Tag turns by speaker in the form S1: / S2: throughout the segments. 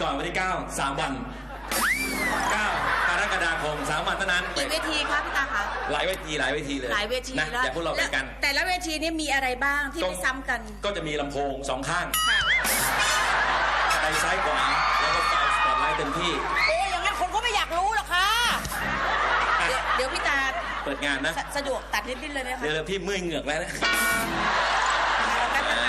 S1: ก่อนวันที่9 3 วัน9 กรกฎาคม3 วันเท่านั้น
S2: กี่เวทีคะพี่ตาคะ
S1: หลายเวทีเลย
S2: หลายเวที
S1: นะ
S2: แล้ว
S1: อย่าพวกเราเป็นกัน
S2: แต่ละเวทีนี้มีอะไรบ้างที่ไม่ซ้ำกัน
S1: ก็จะมีลำโพง2 ข้าง
S2: ค่ะ
S1: ไปซ้ายขวาแล้วก็ไฟสปอตไลท์เต็มที่
S2: โอ้อย่างนั้นคนก็ไม่อยากรู้หรอกค่ะเดี๋ยวพี่ตา
S1: เปิดงานนะ
S2: สะดวกตัดนิดๆเลยนะคะ
S1: เดี๋ยวพี่เมื่อยเหงือกแล้วนะ
S2: แล้วกันนะคะ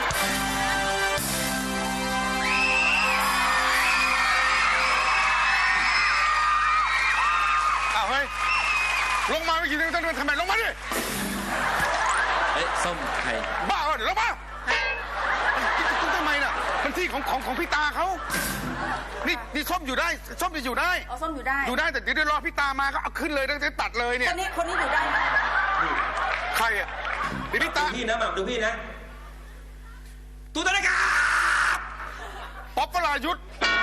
S3: อ้าวเฮ้ยลงมาไม่กี่ทีต้องทำไมลงมาดิ
S1: เอ้ยส้มไข่
S3: บ้าเหรอเดี๋ยวลงมาทำไมน่ะมันที่ของพี่ตาเขานี่ส้มอยู่ได้ส้มจะอยู่ได้
S2: เอาส้มอยู่ได้
S3: อยู่ได้แต่เดี๋ยวรอพี่ตามาก็เอาขึ้นเลยต้องตัดเลยเนี่
S2: ค
S3: ย
S2: นนี้อยู่ได้ไหม
S3: ใครอ่ะเดี๋ยวพี่ตา
S1: ดูพี่นะหม่ำดูพี่นะตูตะนะครับ
S3: ป๊อปปลายุทธ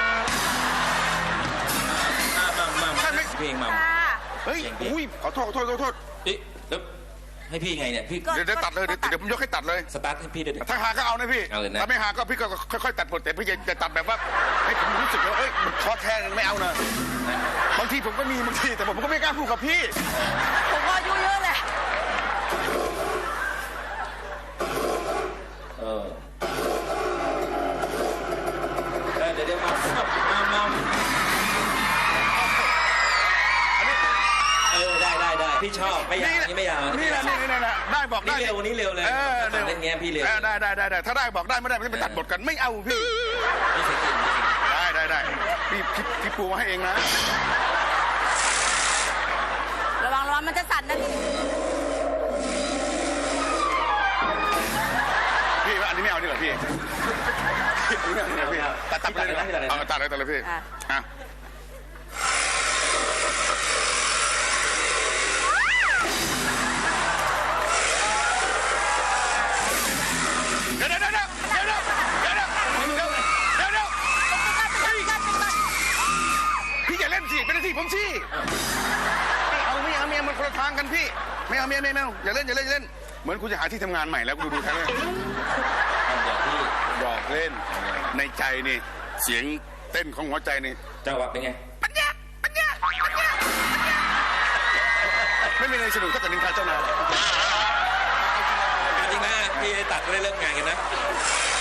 S1: หม่ำ
S3: ใช่ไหม
S1: เพลงหม่
S2: ค่ะ
S3: เฮ้ยอุ้ยขอโทษเ
S1: ำแล้วให้พี่ไงเนี่ยพี่
S3: เดี๋ยวตัดเลยเดี๋ยวผมยกให้ตัดเลย
S1: สตาร์ทให้พี่ด้วยดิ
S3: ถ้าหาก็เอานะพี่
S1: เอาเลยนะ
S3: ถ้าไม่หาก็พี่ก็ค่อยๆตัดบทแต่พี่จะตัดแบบว่าให้ผมรู้สึกว่าเอ้ยมันท้อแท้ไม่เอานะบางทีผมก็มีบางทีแต่ผมก็ไม่กล้าพูดกับพี่
S2: ผมก็อายุเยอะแหละ
S1: เดี๋ยวมาได้พี่ชอบไม่ยาวนี่ไม่ยาว
S3: นี่แหละได้บอกได้
S1: นี่เร็วนี้เร็วเลยเล่นแง่พี่เร็ว
S3: ได้ถ้าได้บอกได้ไม่ได้ไม่ไปตัดบทกันไม่เอาพี่
S1: นี่เสียงจริง
S3: ได้พี่ปูมาให้เองนะ
S2: ระวังมันจะสั่นนะ
S3: พี่ว่าอันนี้ไม่เอาดีกว่าพี่ตัดไปเลยเอาตัดเลยพี่อ่ะพี่อย่าเล่นสิเป็นหน้าที่ผมสิไม่เอามันคนละทางกันพี่ไม่เอาอย่าเล่นเหมือนคุณจะหาที่ทำงานใหม่แล้วดูแค่นี้หยอกเล่นในใจนี่เสียงเต้นของหัวใจนี่
S1: จังหวะเป็นไง
S3: ปัญญาไม่มีอะไรสนุกเท่ากับนินทาเจ้านาย
S1: จริงนะพี่ตัดก็ได้เริ่มงานกันนะ